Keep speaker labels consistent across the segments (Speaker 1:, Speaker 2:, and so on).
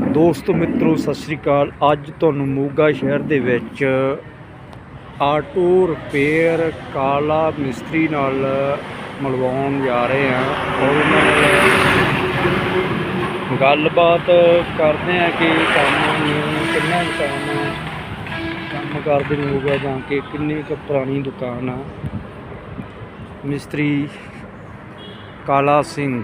Speaker 1: ਦੋਸਤੋ ਮਿੱਤਰੋ ਸਤਿ ਸ਼੍ਰੀ ਅਕਾਲ। ਅੱਜ ਤੁਹਾਨੂੰ ਮੋਗਾ ਸ਼ਹਿਰ ਦੇ ਵਿੱਚ ਆਟੋ ਰਿਪੇਅਰ ਕਾਲਾ ਮਿਸਤਰੀ ਨਾਲ ਮਿਲਵਾਉਣ ਜਾ ਰਹੇ ਹਾਂ ਔਰ ਉਹਨਾਂ ਨਾਲ ਗੱਲਬਾਤ ਕਰਦੇ ਹਾਂ ਕਿ ਕੰਮ ਨੂੰ ਕਿੰਨਾ ਕੰਮ ਕਰਦੇ ਨੂੰ ਹੋਊਗਾ ਜਾਂ ਕਿ ਕਿੰਨੀ ਕੁ ਪੁਰਾਣੀ ਦੁਕਾਨ ਆ। ਮਿਸਤਰੀ ਕਾਲਾ ਸਿੰਘ।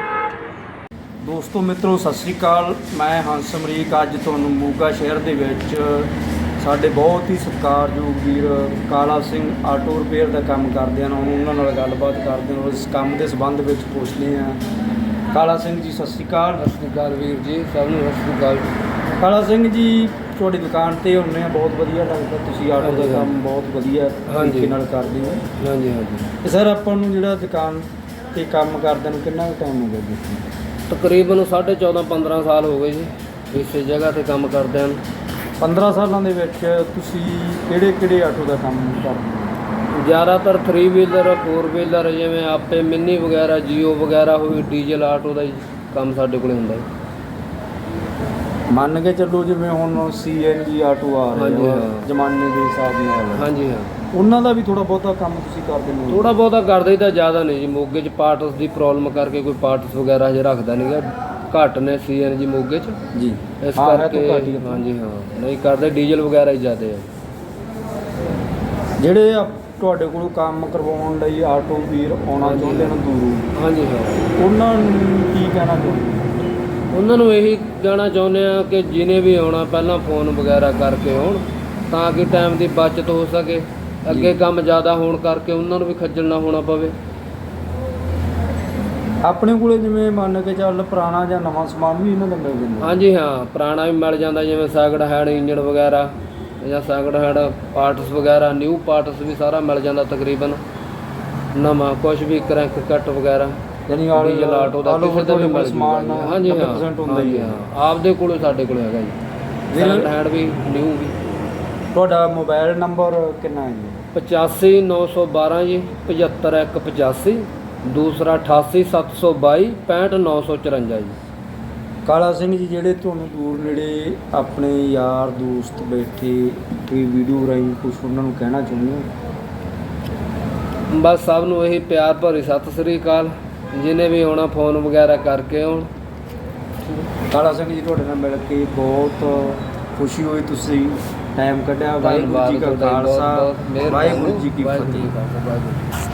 Speaker 1: ਦੋਸਤੋ ਮਿੱਤਰੋ ਸਤਿ ਸ਼੍ਰੀ ਅਕਾਲ। ਮੈਂ ਹੰਸ ਅਮਰੀਕ ਅੱਜ ਤੁਹਾਨੂੰ ਮੋਗਾ ਸ਼ਹਿਰ ਦੇ ਵਿੱਚ ਸਾਡੇ ਬਹੁਤ ਹੀ ਸਤਿਕਾਰਯੋਗ ਵੀਰ ਕਾਲਾ ਸਿੰਘ ਆਟੋ ਰਿਪੇਅਰ ਦਾ ਕੰਮ ਕਰਦੇ ਹਨ, ਉਹਨਾਂ ਨਾਲ ਗੱਲਬਾਤ ਕਰਦੇ ਹਾਂ। ਉਸ ਕੰਮ ਦੇ ਸੰਬੰਧ ਵਿੱਚ ਪੁੱਛਦੇ ਹਾਂ। ਕਾਲਾ ਸਿੰਘ ਜੀ ਸਤਿ ਸ਼੍ਰੀ ਅਕਾਲ।
Speaker 2: ਸਤਿ ਸ਼੍ਰੀ ਅਕਾਲ ਵੀਰ ਜੀ, ਸਭ ਨੂੰ ਸਤਿ ਸ਼੍ਰੀ ਅਕਾਲ।
Speaker 1: ਕਾਲਾ ਸਿੰਘ ਜੀ ਤੁਹਾਡੀ ਦੁਕਾਨ 'ਤੇ ਹੁੰਦੇ ਆ, ਬਹੁਤ ਵਧੀਆ ਲੱਗਦਾ। ਤੁਸੀਂ ਆਟੋ ਦਾ ਕੰਮ ਬਹੁਤ ਵਧੀਆ ਤਰੀਕੇ ਨਾਲ ਕਰਦੇ ਹੋ।
Speaker 2: ਹਾਂਜੀ ਹਾਂਜੀ।
Speaker 1: ਅਤੇ ਸਰ ਆਪਾਂ ਨੂੰ ਜਿਹੜਾ ਦੁਕਾਨ 'ਤੇ ਕੰਮ ਕਰਦਿਆਂ ਨੂੰ ਕਿੰਨਾ ਕੁ ਟਾਈਮ ਹੋ ਗਿਆ ਜੀ?
Speaker 2: ਤਕਰੀਬਨ 14-15 ਸਾਲ ਹੋ ਗਏ ਜੀ ਇਸੇ ਜਗ੍ਹਾ 'ਤੇ ਕੰਮ ਕਰਦੇ ਹਨ।
Speaker 1: 15 ਸਾਲਾਂ ਦੇ ਵਿੱਚ ਤੁਸੀਂ ਕਿਹੜੇ ਆਟੋ ਦਾ ਕੰਮ ਕਰਦੇ ਹੋ?
Speaker 2: ਜ਼ਿਆਦਾਤਰ 3 ਵੀਲਰ 4 ਵੀਲਰ, ਜਿਵੇਂ ਆਪੇ ਮਿੰਨੀ ਵਗੈਰਾ, ਜੀਓ ਵਗੈਰਾ ਹੋਈ, ਡੀਜ਼ਲ ਆਟੋ ਦਾ ਹੀ ਕੰਮ ਸਾਡੇ ਕੋਲ ਹੁੰਦਾ ਜੀ।
Speaker 1: ਮੰਨ ਕੇ ਚੱਲੋ ਜਿਵੇਂ ਹੁਣ CNG ਆਟੋ ਆ ਰਹੇ ਜ਼ਮਾਨੇ ਦੇ ਹਿਸਾਬ ਨਾਲ।
Speaker 2: ਹਾਂਜੀ ਹਾਂ,
Speaker 1: ਉਹਨਾਂ ਦਾ ਵੀ ਥੋੜ੍ਹਾ ਬਹੁਤਾ ਕੰਮ ਤੁਸੀਂ ਕਰਦੇ ਹੋ?
Speaker 2: ਥੋੜ੍ਹਾ ਬਹੁਤਾ ਕਰਦੇ ਤਾਂ ਜ਼ਿਆਦਾ ਨਹੀਂ ਜੀ। ਮੋਗੇ 'ਚ ਪਾਰਟਸ ਦੀ ਪ੍ਰੋਬਲਮ ਕਰਕੇ ਕੋਈ ਪਾਰਟਸ ਵਗੈਰਾ ਹਜੇ ਰੱਖਦਾ ਨਹੀਂ ਗਾ, ਘੱਟ ਨੇ CNG ਮੋਗੇ 'ਚ
Speaker 1: ਜੀ,
Speaker 2: ਇਸ ਕਰਕੇ। ਹਾਂਜੀ ਹਾਂ, ਨਹੀਂ ਕਰਦੇ, ਡੀਜ਼ਲ ਵਗੈਰਾ ਹੀ ਜ਼ਿਆਦਾ ਹੈ।
Speaker 1: ਜਿਹੜੇ ਤੁਹਾਡੇ ਕੋਲੋਂ ਕੰਮ ਕਰਵਾਉਣ ਲਈ ਆਟੋ ਵੀਰ ਆਉਣਾ ਚਾਹੁੰਦੇ ਨੇ ਦੂਰੋਂ,
Speaker 2: ਹਾਂਜੀ ਹਾਂ,
Speaker 1: ਉਹਨਾਂ ਨੂੰ ਕੀ ਕਹਿਣਾ ਚਾਹੁੰਦੇ?
Speaker 2: ਉਹਨਾਂ ਨੂੰ ਇਹੀ ਕਹਿਣਾ ਚਾਹੁੰਦੇ ਆ ਕਿ ਜਿਹਨੇ ਵੀ ਆਉਣਾ ਪਹਿਲਾਂ ਫੋਨ ਵਗੈਰਾ ਕਰਕੇ ਆਉਣ, ਤਾਂ ਕਿ ਟਾਈਮ ਦੀ ਬਚਤ ਹੋ ਸਕੇ। ਅੱਗੇ ਕੰਮ ਜ਼ਿਆਦਾ ਹੋਣ ਕਰਕੇ ਉਹਨਾਂ ਨੂੰ ਵੀ ਖੱਜਲ ਨਾ ਹੋਣਾ ਪਵੇ।
Speaker 1: ਆਪਣੇ ਕੋਲੇ ਜਿਵੇਂ ਮੰਨ ਕੇ ਚੱਲ ਪੁਰਾਣਾ ਜਾਂ ਨਵਾਂ ਸਮਾਨ ਵੀ ਇਹਨਾਂ ਦਾ ਮਿਲ ਜਾਂਦਾ?
Speaker 2: ਹਾਂਜੀ ਹਾਂ, ਪੁਰਾਣਾ ਵੀ ਮਿਲ ਜਾਂਦਾ, ਜਿਵੇਂ ਸੈਕਿੰਡ ਹੈਂਡ ਇੰਜਣ ਵਗੈਰਾ ਜਾਂ ਸੈਕਿੰਡ ਹੈਂਡ ਪਾਰਟਸ ਵਗੈਰਾ, ਨਿਊ ਪਾਰਟਸ ਵੀ ਸਾਰਾ ਮਿਲ ਜਾਂਦਾ ਤਕਰੀਬਨ। ਨਵਾਂ ਕੁਛ ਵੀ ਕਰੰਕ ਕੱਟ ਵਗੈਰਾ,
Speaker 1: ਯਾਨੀ
Speaker 2: ਡੀਜ਼ਲ ਆਟੋ ਦਾ ਕਿਸੇ ਦਾ ਵੀ ਮਿਲ
Speaker 1: ਸਮਾਨ।
Speaker 2: ਹਾਂਜੀ ਹਾਂ, ਹੁੰਦਾ ਹੀ ਹੈ। ਆਪਦੇ ਕੋਲ ਸਾਡੇ ਕੋਲ ਹੈਗਾ ਜੀ, ਸੈਕਿੰਡ ਹੈਂਡ ਵੀ ਨਿਊ ਵੀ।
Speaker 1: ਤੁਹਾਡਾ ਮੋਬਾਈਲ ਨੰਬਰ ਕਿੰਨਾ ਹੈ ਜੀ?
Speaker 2: 85 912 ਜੀ 75 185, ਦੂਸਰਾ 88 722 65 954 ਜੀ।
Speaker 1: ਕਾਲਾ ਸਿੰਘ ਜੀ, ਜਿਹੜੇ ਤੁਹਾਨੂੰ ਦੂਰ ਨੇੜੇ ਆਪਣੇ ਯਾਰ ਦੋਸਤ ਬੈਠੇ ਕੋਈ ਵੀਡੀਓ ਰਾਹੀਂ ਕੁਛ ਉਹਨਾਂ ਨੂੰ ਕਹਿਣਾ ਚਾਹੁੰਦੇ ਹੋ?
Speaker 2: ਬਸ ਸਭ ਨੂੰ ਇਹੀ ਪਿਆਰ ਭਰੀ ਸਤਿ ਸ੍ਰੀ ਅਕਾਲ। ਜਿਹਨੇ ਵੀ ਆਉਣਾ ਫੋਨ ਵਗੈਰਾ ਕਰਕੇ ਆਉਣ।
Speaker 1: ਕਾਲਾ ਸਿੰਘ ਜੀ, ਤੁਹਾਡੇ ਨਾਲ ਮਿਲ ਕੇ ਬਹੁਤ ਖੁਸ਼ੀ ਹੋਈ, ਤੁਸੀਂ ਟਾਈਮ ਕੱਢਿਆ। ਵਾਹਿਗੁਰੂ ਜੀ ਕਾ ਖਾਲਸਾ, ਵਾਹਿਗੁਰੂ ਜੀ ਕੀ ਫਤਿਹ।